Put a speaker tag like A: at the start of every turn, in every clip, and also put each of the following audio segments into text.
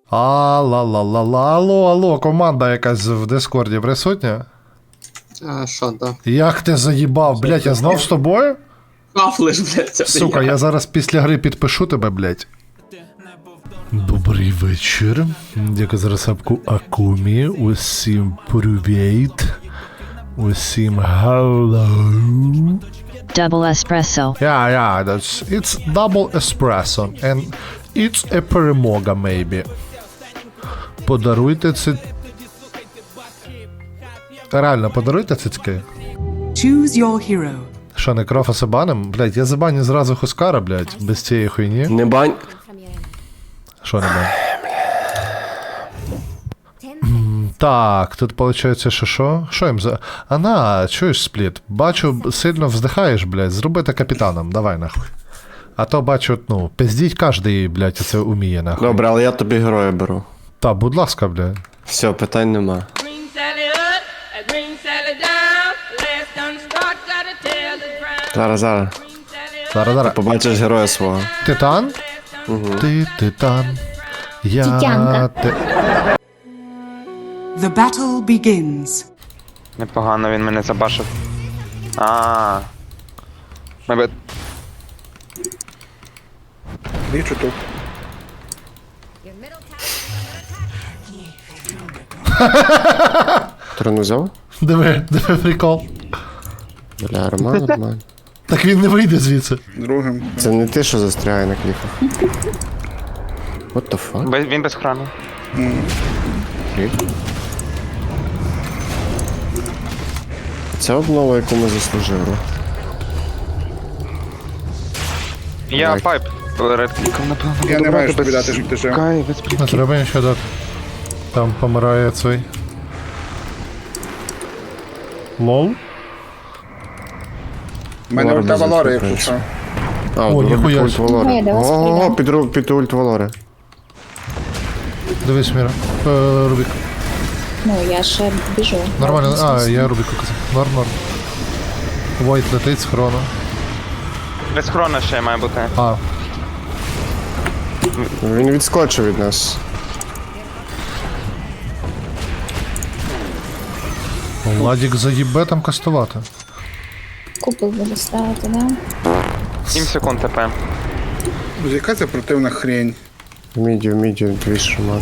A: Алло, команда якась в Дискорді присутня?
B: Що, да?
A: Як ти заїбав, блядь, я знов з тобою?
B: Кафлиш, блядь, це
A: Сука, я зараз після гри підпишу тебе, блядь. Добрий вечір. Дякую за розсапку Акумі. Усім привіт. Усім hello.
C: Double espresso.
A: Yeah, it's double espresso. And it's a перемога, maybe. Подаруйте це... Реально, подаруйте цицьки.
D: Choose your hero.
A: Що, некрофа забаним? Блядь, я забаню зразу Хускара, блядь, без цієї хуйні.
B: Не бань.
A: Що не бань? Так, тут виходить, що? Що їм за... Ана, чуєш, Спліт? Бачу, сильно вздихаєш, блядь, зроби це капітаном, давай нахуй. А то бачу, ну, пиздіть кожний, блядь, це вміє, нахуй.
B: Добре, але я тобі героя беру.
A: Та, будь ласка, блядь.
B: Все, питань нема.
E: Green Sally up, a green Sally down. Last done start, gotta tell the ground.
B: Зараз.
E: Green Sally up,
A: Зараз.
B: Побачиш героя свого.
A: Титан? Ти титан. Я
F: Тітянка.
D: The battle begins.
G: Непогано він мене забашив. Мабуть.
H: Бічу тут.
B: Трону взяв?
A: Диви прикол.
B: Бля, нормально.
A: Так він не вийде звідси.
H: Другим.
B: Це не ти, що застрягає на кліфах. What the fuck?
G: Він без храну.
B: Окей. Це обнова, яку ми заслужили.
G: Я
B: Давай.
G: пайп. Редкліком, напевно.
H: Я не
G: буду
H: маю
G: брати
H: що тобі
G: без-
H: дати, щоб ти жив.
G: Кай, без
A: Не
G: плітків.
A: треба нічого дати. Там помирає цей. Лол?
H: У мене
B: Ладно,
H: ульта Валори,
B: звісно,
H: якщо що.
B: А,
A: О,
B: робить
A: ніхуя
B: ульт
A: собі.
B: Валори.
F: Я до вас
B: Ого,
F: прийду.
B: під ульт Валори.
A: Дивись, Міра. Рубік.
F: Ну, я ще біжу.
A: Нормально. Я Рубіку казав. Норм. Войт летить з хрону.
G: Без хрона ще має бути.
B: Він відскочив від нас.
A: Владік заїбе там кастувати.
F: Купол буду ставити, да?
G: 7 секунд ТП.
H: Друзі, яка це противна хрень?
B: В міді, дві шаман.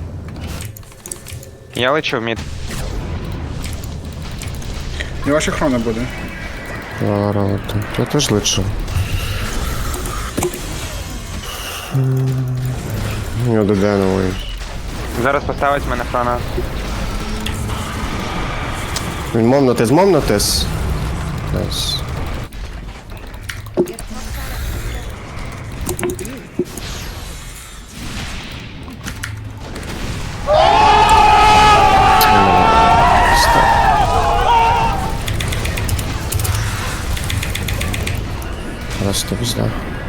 G: Я лечу в мід.
H: Не ваша хрона буде.
B: Валора летить. Я теж лечу. У нього ДД новий.
G: Зараз поставить мене храна.
B: Він момнотис. Найс. Просто пизда.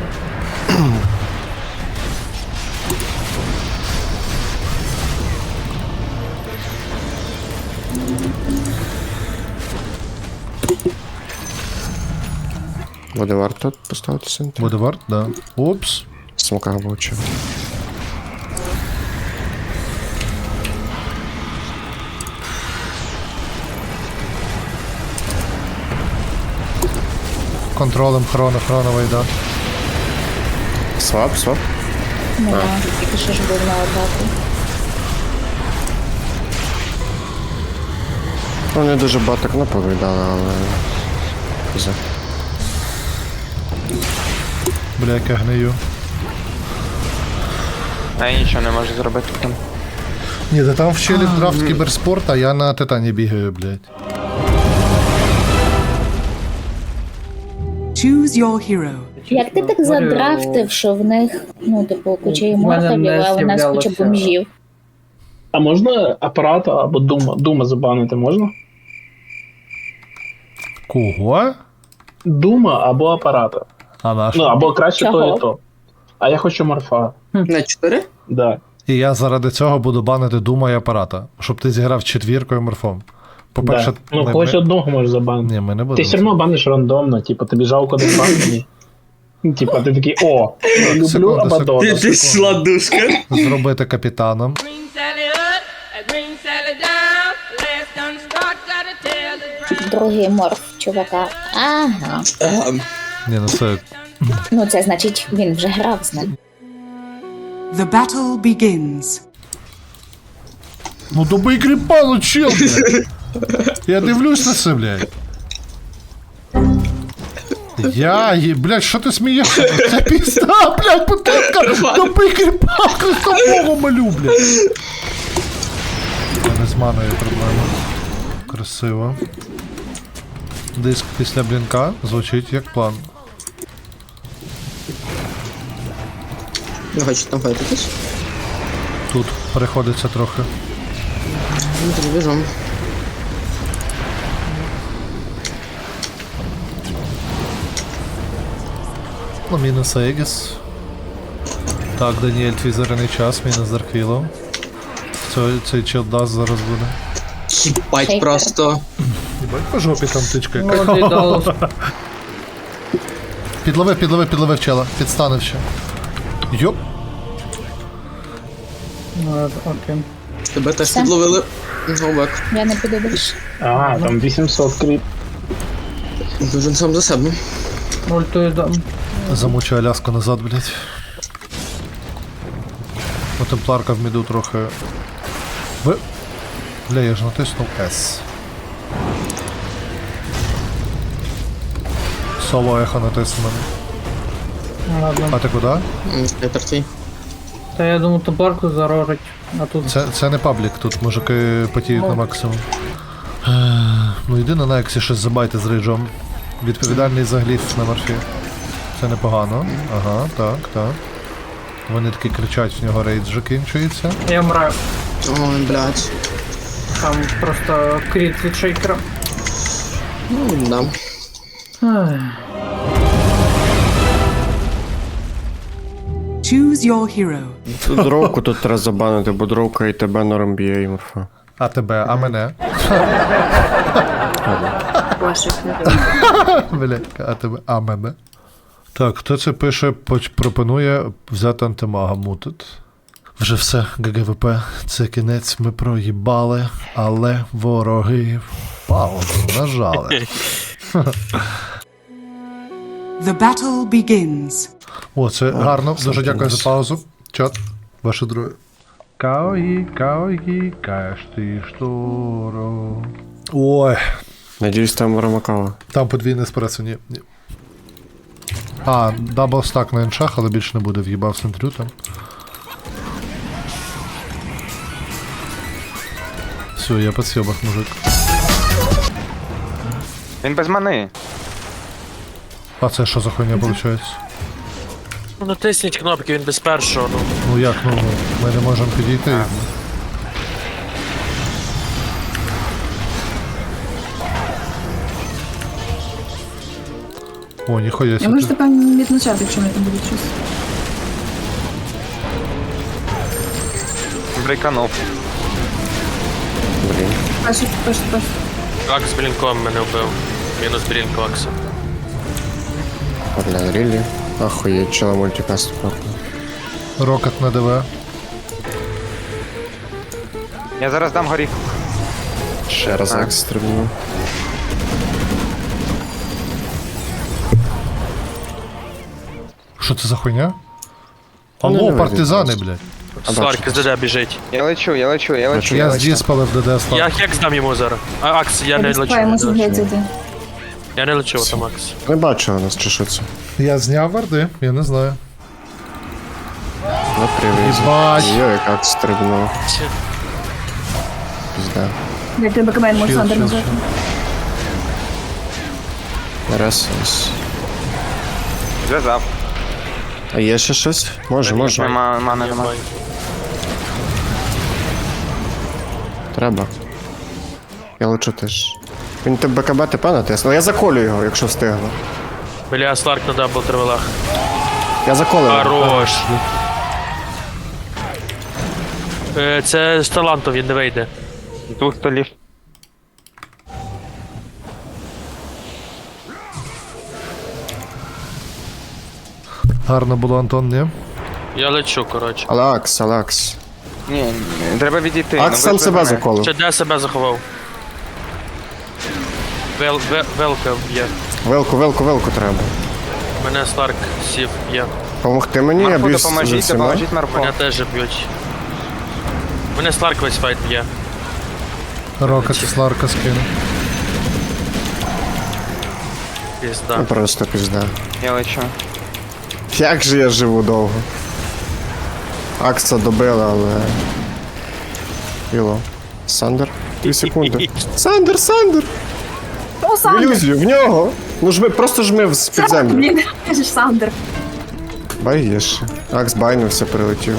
B: Буде варто поставити центр.
A: Буде варт, да. Упс.
B: Смока влучив.
A: Контролем хроновий, да.
B: Свап.
F: Ну, да, тільки що ж був на атаку.
B: Вони дуже багато кнопок віддали, але... Піза.
A: Бля, як я гнию.
G: А я нічого не можу зробити там.
A: Ні, да там вчили драфт кіберспорт, а я на Титані бігаю, блядь.
D: Choose your hero.
F: Як ти так задрафтив, що в них, ну, типу, куча іморталів, а у нас куча бомжів?
I: А можна апарата або дума забанити можна?
A: Кого?
I: Дума або апарата.
A: А наш.
I: Ну, або краще
F: Чого?
I: то і то. А я хочу морфа.
B: На 4?
I: Да.
A: І я заради цього буду банити Дума і апарата, щоб ти зіграв четвіркою морфом. По-перше,
I: Да. Ну, когось одного можеш забанити.
A: Ні, ми не будемо.
I: Ти все одно баниш рандомно, типу, тобі жалко не банити. Типа, ти такий, о, люблю
A: Секунду,
I: Абадона.
A: секунду.
J: сладушка.
A: Зробити капітаном.
E: Bring Sally up and bring Sally down. Last done start, gotta tell the ground.
F: Другий морф чувака. Ага.
A: Ні, ну це
F: Ну це значить, він вже грав з ним.
D: The battle begins.
A: Ну добий кріпа, ну чел, блядь. Я дивлюсь на це, блядь. Блядь, що ти смієшся? Це пізда, блядь, бутилка! Добий кріпа, Христового молю, блядь. Не з маною проблема. Красиво. Диск після блінка звучить як план.
J: Не хочу там файтитись.
A: Тут переходиться трохи.
J: Ну, тоді біжом.
A: Ну, мінус Егіс. Так, Даніель, твій зоряний час, мінус Дарквілов. Цей чел даст зараз буде.
J: Їбать
F: Шейкер.
J: просто.
A: Єбать, по жопі там тичка.
I: Молодий Даллас.
A: Підловив чела. Підстанив ще. Йоп.
I: Окей.
J: Тебе теж
F: Все.
J: підловили. Зновбек.
F: Я не піду більше.
I: А, там 800 кріп.
J: Дуже сам за себе.
I: Ультую дам.
A: Замучу Аляску назад, блядь. О, темпларка в міду трохи. Бля, я ж натиснув S. Соло ехо натиснув.
I: Ладно.
A: А ти куди?
J: Спектр твій.
I: Та я думаю, топарку зарожить. А тут
A: Це не паблік, тут мужики потіють на максимум. Ну йди на Нексі щось забайте з рейджом. Відповідальний за гліф на морфі. Це непогано. Ага, так. Вони таки кричать, в нього рейдж закінчується.
I: я мраю.
J: Ой, блядь.
I: Там просто кріт від шейкера.
J: Ну, да.
D: Choose your hero.
B: Тут дровку тут треба забанити, бо дровка і тебе норм б'є і морфа.
A: А тебе, а мене? Бля, а тебе, а мене? Так, хто це пише, пропонує взяти антимага мутит. Вже все, ГГВП, це кінець, ми проїбали, але вороги паузу нажали.
D: The battle begins.
A: О, це гарно, дуже дякую за паузу. Чат, ваше друге. Каої, каєш ти шторо. Ой,
B: Надіюсь, там Ромакава.
A: там подвійне еспресо, ні. А, дабл стак на іншах, але більше не буде, в'їбав сентрю там. Все, я по сьобах, мужик.
G: Він без мани.
A: А це що за хуйня виходить?
K: Ну натисніть кнопки, він без першого, ну.
A: Ну як, ну, ми не можемо підійти. О, ніхуя
L: Я
A: себе.
L: можу тебе відзначати, якщо мене там буде щось.
G: Брейканув.
B: Блін.
L: Перший.
K: Акс з блінком мене вбив. Мінус блінк Акса.
B: Бля, рілі. Ахуєть, чела мультикаст пахне.
A: Рокет на ДВ.
G: Я зараз дам горіх.
B: Ще раз
G: А.
B: екс стрибну.
A: Що це за хуйня?
B: не
A: Алло,
B: вийде
A: партизани,
B: просто.
A: блядь.
K: Сларк з ДД біжить.
G: Я лечу.
A: Я здесь спалив ДД слав.
K: Я хекс дам йому зараз. А Акс, я не лечу.
L: Спаємося
K: не лечу.
L: глядіти.
K: Я не лечу, там Акс.
B: Не бачу нас, чи що це.
A: Я зняв варди, я не знаю.
B: На привіз.
A: Єбать.
B: Йо, як екс стрибнув. Пізда.
L: Як тебе камен може Сандер
A: Чил,
L: назвати.
B: Раз.
G: Зв'язав.
B: А є ще щось? Може.
G: Нема мани, нема.
B: Треба. Я лечу теж. Він тебе БКБ ТП натиснув. Я заколю його, якщо встигну.
K: Бля, Сларк на дабл тривелах.
B: Я заколю його.
K: Хорош. Це з таланту, він не вийде.
G: З двох столів.
A: Гарно було, Антон, ні?
K: Я лечу, коротше.
B: Алакс.
G: Ні, треба відійти.
B: Акс
G: ви
B: сам
G: ж
B: себе
G: мене.
B: заколив.
K: Ще де себе заховав? Велка б'є.
B: Велку треба.
K: Мене Сларк сів є.
B: Помогти мені, я
G: Марфу
B: б'юсь з
G: допоможіть,
B: всіма.
G: допоможіть Марфу.
K: Мене теж б'ють. Мене Сларк весь файт б'є.
A: Рокет Сларка скину.
K: Пізда.
B: Ну, просто пізда.
G: Я лечу.
B: Як же я живу довго? Акса добила, але... Іло. Сандер? 2 секунди. Сандер!
L: О,
B: В
L: Сандер!
B: ілюзію, в нього! Ну жми, просто жми з-під землю.
L: Блін, ти ж Сандер.
B: Баєш. Акс байнувся, прилетів.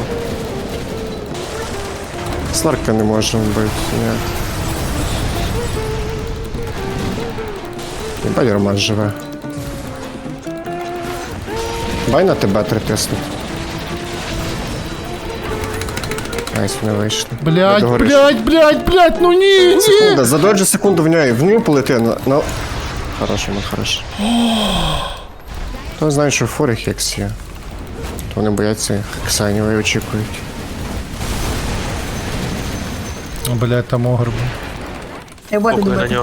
B: Сларка не може вбити, ні. Єбать, Роман живе. Бай на тебе тиснуть. Найс, не вийшли.
A: Блять,
B: Догориш.
A: блять, ну ні!
B: Секунда, задоджи секунду в нього полети на... Хорошо. То знають, що в форі хекс є. То вони бояться хекса, і очікують.
A: Блять, там огр був.
L: Я боти
K: Пукай на
L: добити.
K: нього.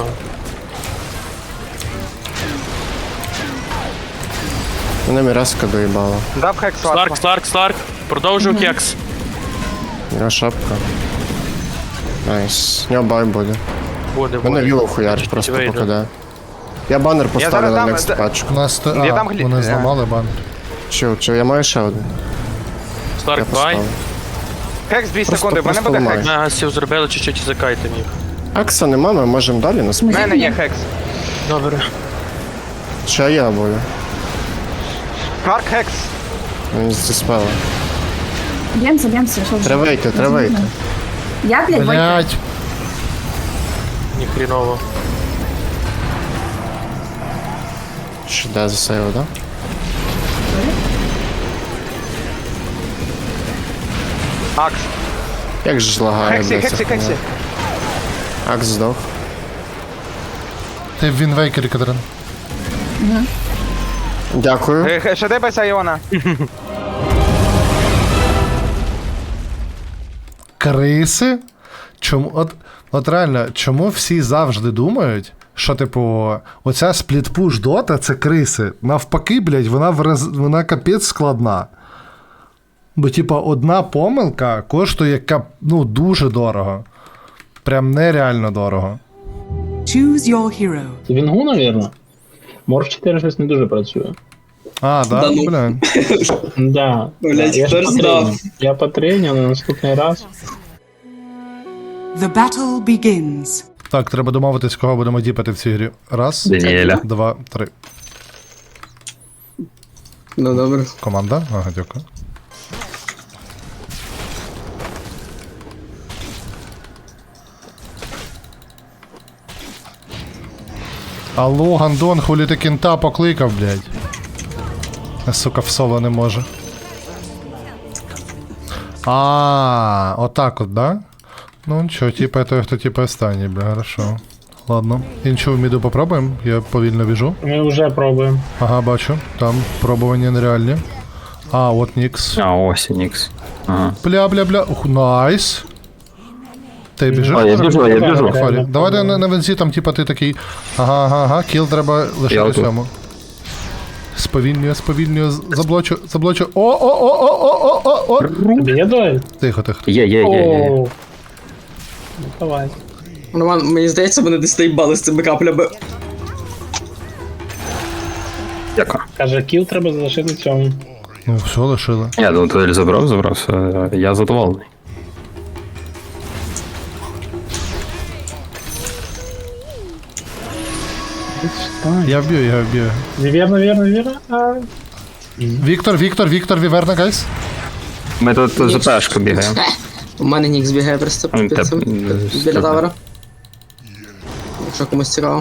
B: Мене міраска доїбала.
G: Дав хек
K: Сларк. Продовжуй кекс.
B: У нього шапка. Найс. У нього бай буде.
K: Буде,
B: Мене
K: буде.
B: віло хуярить, просто
K: Вийде.
B: покиде. Я банер поставлю
G: зараз
B: на
G: дам-
B: next пачку.
A: У нас то...
G: Я
A: А,
G: дам
A: вони зламали банк.
B: Чил, я маю ще один. Я
K: Сларк бай.
B: поставлю.
G: Хекс 2
B: Просто-
G: секунди, в мене
B: просто
G: буде
B: ламаю.
G: хекс.
K: Мегасів зробили чуть-чуть і закайте їх.
B: Акса нема, ми можемо далі нас.
G: В мене є хекс.
K: Добре.
B: Ще я буду.
G: Марк хекс.
B: Він зіспела.
L: Б'ємося, що вже.
B: Треба вийти.
L: Я, блядь, Войт.
A: Блять,
K: Ніхріново.
B: Що де засейв, да?
G: Акс.
B: Як же ж лагає,
G: Хексі,
B: блядь, ця
G: хексі,
B: хуйня.
G: хексі.
B: Акс здох.
A: ти в Вінвейкері, Катерин.
B: Дякую.
G: Шедебеся Іона.
A: Криси? Чому? От реально, чому всі завжди думають, що, типу, оця сплітпуш дота це криси. Навпаки, блядь, вона капець складна. Бо, типу, одна помилка коштує дуже дорого. Прям нереально дорого.
D: Choose your hero.
I: Це Вінгу, навірно. Морф 4 щось не дуже працює.
A: А, да?
J: Да ну.
A: Бля.
I: Да.
J: Блядь,
I: Я
J: хто
I: ж
J: ж знав?
I: Я потреню на наступний раз.
D: The battle begins.
A: Так, треба домовитись, кого будемо діпати в цій грі. Раз,
K: Даніеля.
A: 2, 3.
J: Ну добре.
A: Команда? Ага, дякую. Алло, Гандон, хулі ти кінта покликав, блядь. Сука, в соло не може. А, отак от, да? Ну нічого, типа той, хто типа останній, бля, хорошо. Ладно. Іншу в міду попробуємо, я повільно біжу.
I: Ми вже пробуємо.
A: Ага, бачу. Там пробування нереальні. А, от Нікс.
K: А, ось і Нікс. Ага.
A: Бля. Ух, найс. Ти біжиш?
K: А, я біжу.
A: Фарі. Давай на вензі, там типа ти такий. Ага, кіл треба лишити
K: тут.
A: цьому. Сповільнює, заблочу. О!
I: Тобі є дуель?
A: Тихо.
K: Є.
I: Оу. Ну, давай.
J: Роман, мені здається, вони десь доїбали з цими каплями.
K: Дякую.
I: Каже, кіл треба залишити цьому.
A: Ну, все лишили.
K: Я думаю, туди забрав, все. Я задоволений.
A: Я вб'ю.
I: Вірно. А,
A: Віктор, Віверна, гайс.
K: Ми тут за пешку бігаємо.
J: У мене Нікс бігає просто
K: Він
J: під цим,
K: теп-
J: біля тавера. Якщо комусь цікаво.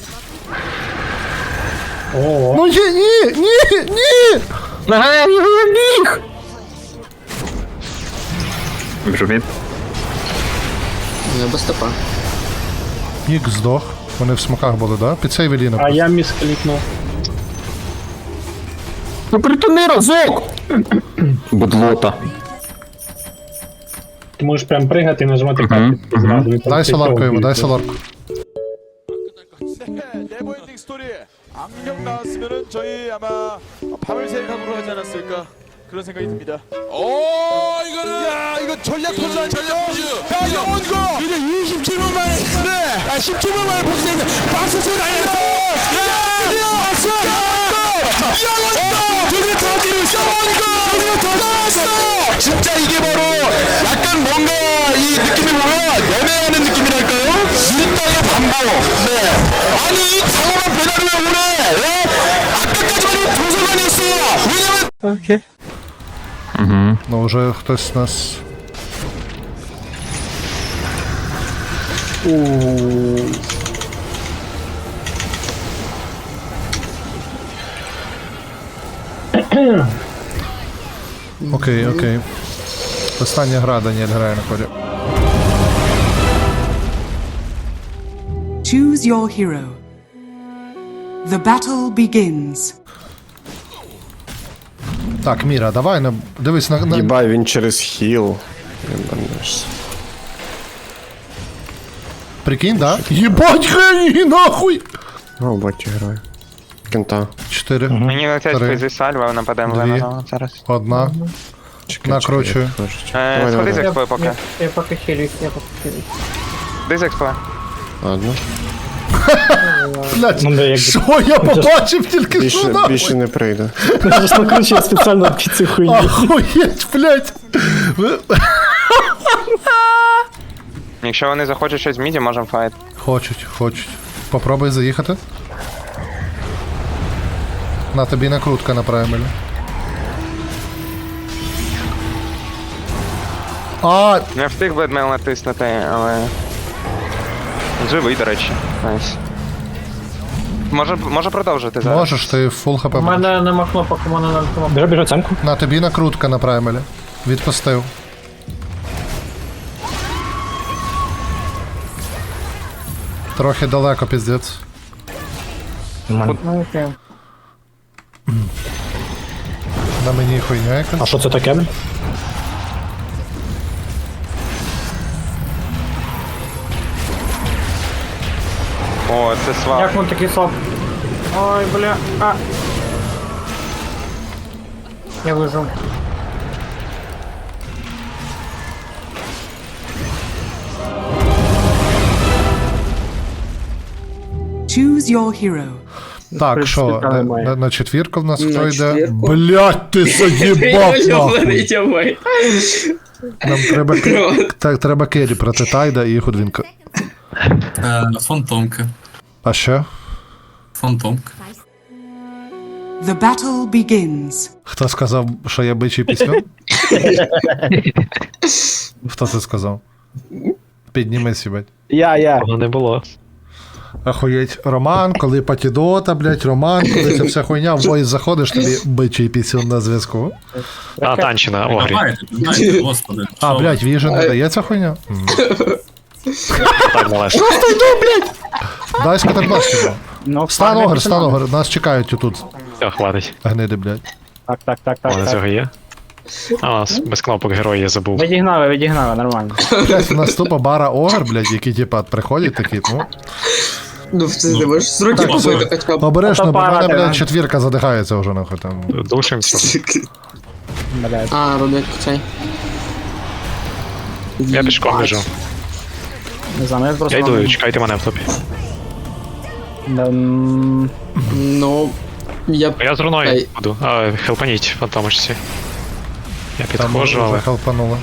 I: О,
A: Ну ні!
K: Біг! Біжу від.
J: Не без стопа.
A: Нік здох. Вони в смоках були, да? Під цей Веліна.
I: а я місклікнув.
B: Ну притяни разок! Будлота.
I: Ти можеш прям пригати і нажимати карту зразу. і там
A: Дай
I: цей
A: соларку
I: чел
A: йому, дай
I: б'ється.
A: соларку.
M: 네버엔딩 스토리 악령 나왔으면은 저희 아마 밤을 새각으로 하지 않았을까 그런 생각이 듭니다. 오 이거는 야 이거 전략 포즈 아니죠? 야 영원거 이제 27분 만에 네 17분 만에 복수했는데 박수수 날렸어. 야 왔어. 영원거 드디어 터지고 있어. 영원거 드디어 터졌어. 진짜 이게 바로 약간 뭔가 이 느낌이 보면 연애하는 느낌이랄까요? 일당의 반복. 네. 아니 이 장엄한 배달을 왜 오래? 왜? 아까까지만 해도 도서관이었어요. 왜냐면
A: Ну, вже хтось з нас. Окей, окей. Остання гра, Даніель грає на ході.
D: Choose your hero. The battle begins.
A: Так, Міра, давай, дивись на...
B: Єбай, він через хіл. Єбанешся.
A: Прикинь, да? Єбать, геній, нахуй!
B: О, батю герой. Кента.
A: 4,
G: Мені летять
A: 3,
G: зі сальва, нападемо
A: Дві.
G: Лемона зараз.
A: 1.
B: Чекай,
A: Накручую.
B: Давай,
G: Сходи з
B: давай.
G: експою поки.
I: Я поки хилюсь, я поки хилюсь.
G: Ди з експою.
B: Ладно.
A: Блять,
I: Ну, да, якби-
A: що я побачив тільки що
B: Більше,
A: нахуй?
B: більше не прийде.
I: Я ж накручую спеціально під цю хуйню.
A: Охуєть, блять!
G: Якщо вони захочуть щось в міді, можемо файт.
A: Хочуть, хочуть. Попробуй заїхати. На тобі накрутка на праймелі. А,
G: Не встиг бедмейл натиснути, але... Живий, до речі. Найс. Може продовжити зараз.
A: можеш, ти фул хп.
I: У мене нема кнопок, у мене нема кнопок. Біжу оценку.
A: На тобі накрутка на праймелі. Відпустив. Трохи далеко, піздець. На мені хуйня якась.
I: А що це таке?
G: О, це свап.
I: Як він такий слаб? Ой, бля. А. Я вижу.
D: Choose your hero.
A: Так, що,
I: принципі, немає.
A: на четвірку в нас
J: На
A: хто йде?
J: четвірку?
A: Блять, ти заїбав нахуй. Нам треба, так, треба керрі проти Тайда і Худвінка.
J: Фантомка.
A: А ще?
J: Фантомка.
D: The battle begins.
A: Хто сказав, що я бичий пісню? Хто це сказав? Піднімись, їбать.
I: Я.
K: Воно не було.
A: Ахуєть, Роман, коли патідота, блять, Роман, коли ця вся хуйня, в войс заходиш, тобі бичий пісюн на зв'язку.
K: А, танчина, огрі.
J: Господи.
A: А, блять, віжа не дає ця хуйня?
K: Так, малеш.
A: Дай скатарбашки.
I: Ну,
A: Стан огр, нас чекають отут.
K: Все, хватить.
A: Гниди, блять.
I: Так.
K: О, на цього є. А, у нас без кнопок герой я забув.
I: Відігнали, нормально.
A: Блять, у нас тупо бара огр, блять, які типа приходять такі, ну.
J: Ну, ти не можеш з руки побити хоча б.
A: Обережно, бо в мене,
I: Фотоапарати,
A: блядь,
I: да.
A: четвірка задихається вже нахуй там.
K: Душимся.
J: А, роблять цей.
K: Я пішком біжу.
I: Не знаю, я просто...
K: Я йду, чекайте мене в топі.
J: Ну, я б...
K: Я з руною
J: Ей.
K: буду. А, хелпаніть, фантомочці. Я
A: Там
K: підходжу, але...
A: захелпануло.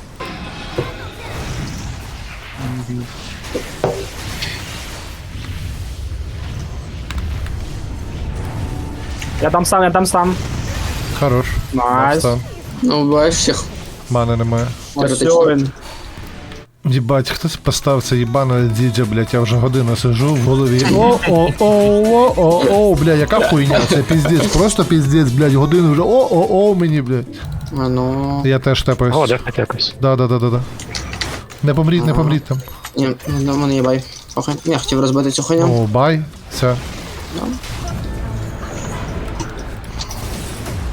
I: Я там сам.
A: Хорош.
I: Найс.
A: Встан.
J: Ну, буваєш всіх.
A: Мани немає.
I: Ось він.
A: Єбать, хтось поставив це їбане діджа, блядь, я вже годину сижу в голові. О, бля, яка хуйня, це піздець, просто піздець, блядь, годину вже о, мені, блядь.
J: А ну...
A: Я теж тепаюсь.
K: О, дефать якось.
A: Да. Не помріть там.
J: Ні, ну, мене їбай. Окей. Я хотів розбити цю хуйню.
A: О, бай, все.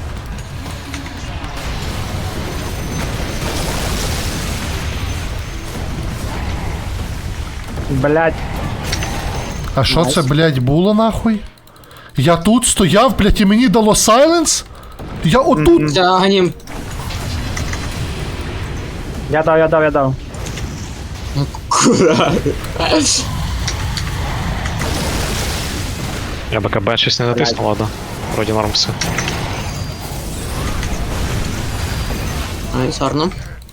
I: Блять.
A: А що це, блядь, було нахуй? Я тут стояв, блядь, і мені дало сайленс? Я отут.
J: Тягнем.
I: Я дав.
J: Куда?
K: Я БКБ щось не натиснув, ладно. Вроді норм все.
J: Найс, гарно.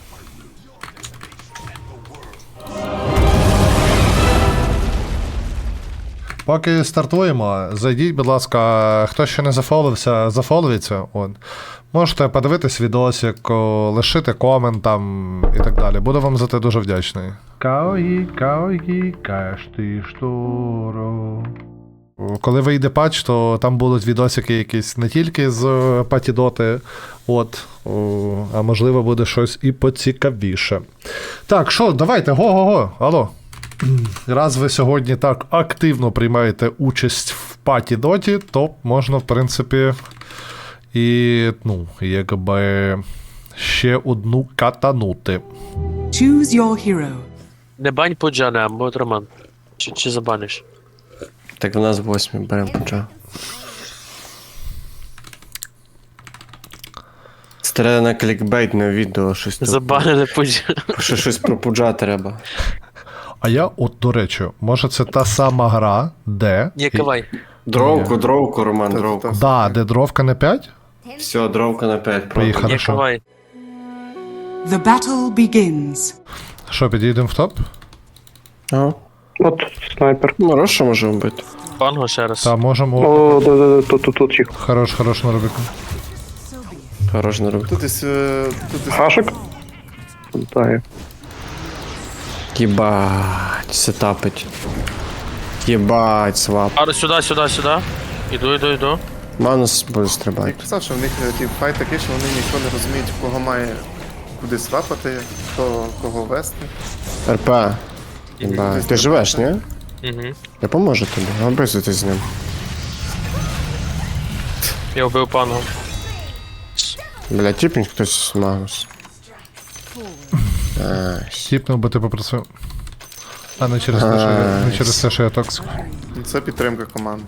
A: Поки стартуємо, зайдіть, будь ласка, хто ще не зафолився, зафоловіться. От. Можете подивитись відосик, лишити комент там і так далі. Буду вам за це дуже вдячний. Каої, каєш ти шторо. Коли вийде патч, то там будуть відосики якісь не тільки з патідоти, от, а можливо буде щось і поцікавіше. Так, що, давайте, го-го-го, алло. Раз ви сьогодні так активно приймаєте участь в паті-доті, то можна, в принципі, і, ну, якби ще одну катанути.
D: Choose your hero.
K: Не бань Пуджана, або от Роман. Чи забаниш?
B: Так в нас 8 беремо пуджа. Старе на клікбейтне відео щось тут.
K: Забанили Пуджана.
B: Щось про пуджа треба.
A: А я, от, до речі, може це та сама гра, де...
K: Ні, кавай.
B: Дровку, Роман, дровку.
A: Да, де дровка не 5?
B: Все, дровка на 5.
A: Поїхали.
K: Ні,
A: Хорошо.
K: кавай.
D: The battle begins.
A: Що, підійдемо в топ?
B: Ага.
I: От снайпер.
B: Ну, Роша може вбити.
K: Панго ще раз.
A: Та, можемо...
I: О, да, тут чих.
A: Хорош на Рубіку.
B: Хорош на руку.
I: Хашик? Так.
B: Єбать, сетапить. Єбать, свап.
K: А, сюди. Іду.
B: Манус буде стрибати.
H: Писав, що в них ті файт такий, що вони ніхто не розуміють, в кого має куди свапати, хто кого вести.
B: РП. Єбать. Ти живеш, ні?
K: Угу.
B: Я поможу тобі, обризуйте з ним.
K: Я вбив панго.
B: Бля, тіпніть хтось з Магнус.
A: Тіпнув, бо ти попросив. А не через те, що я токсик.
H: Це підтримка команди.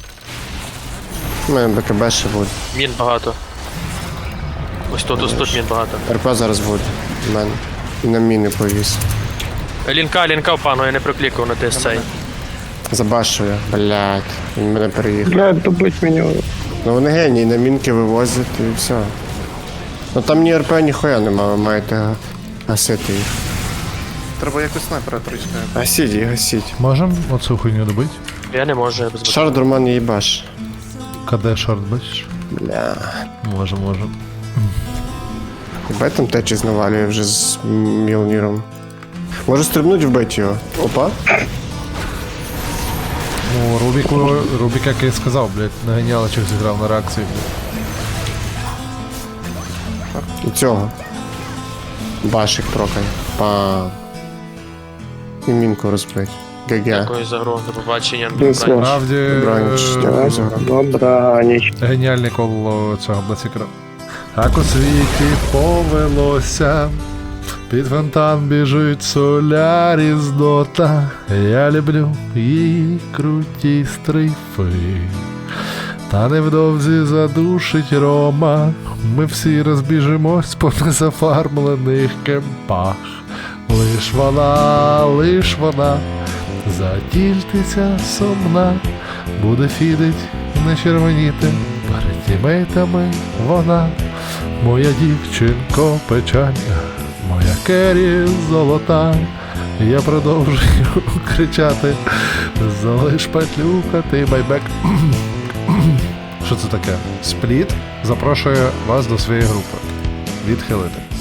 B: У мене БКБ ще буде.
K: Мін багато. Ось тут мін багато.
B: РП зараз буде. У мене. І на міни повіс.
K: Лінка в панго, я не проклікав на ТСЦ.
B: Забашую, блядь. Він мене переїхав.
I: Блядь, добить мене.
B: Ну вони генії, на мінки вивозять і все. Ну там ні РП, ніхуя нема, ви маєте гасити їх.
H: Треба якось снайпера тричка.
B: Гасіть їх, гасіть.
A: Можем оцю хуйню добити?
K: Я не можу, я без
B: Шар Дурман не їбаш.
A: КД шорт, бачиш?
B: Бля.
A: Може.
B: Бай там течі навалює вже з Мілніром. Може стрибнуть вбити його. Опа.
A: Ну, Рубік, як я і сказав, блядь, на геніалочах зіграв на реакції, блядь.
B: І цього. Башик прокає. Пам. І мінку розбить. ГГ.
K: Дякую за гру, до побачення.
A: Справді,
I: Добра ніч.
A: геніальний кол цього Блацікера. Так у світі повелося, під фонтан біжить Соляріс Дота. Я люблю її круті стрейфи. Та невдовзі задушить Рома. Ми всі розбіжимось по незафармлених кемпах. Лиш вона затільтиться сумна, буде фідить, не червоніти. Перед тімейтами вона, моя дівчинко печальна, моя кері золота. Я продовжую кричати, залиш петлюкати байбек. Що це таке? Спліт запрошує вас до своєї групи. Відхилити.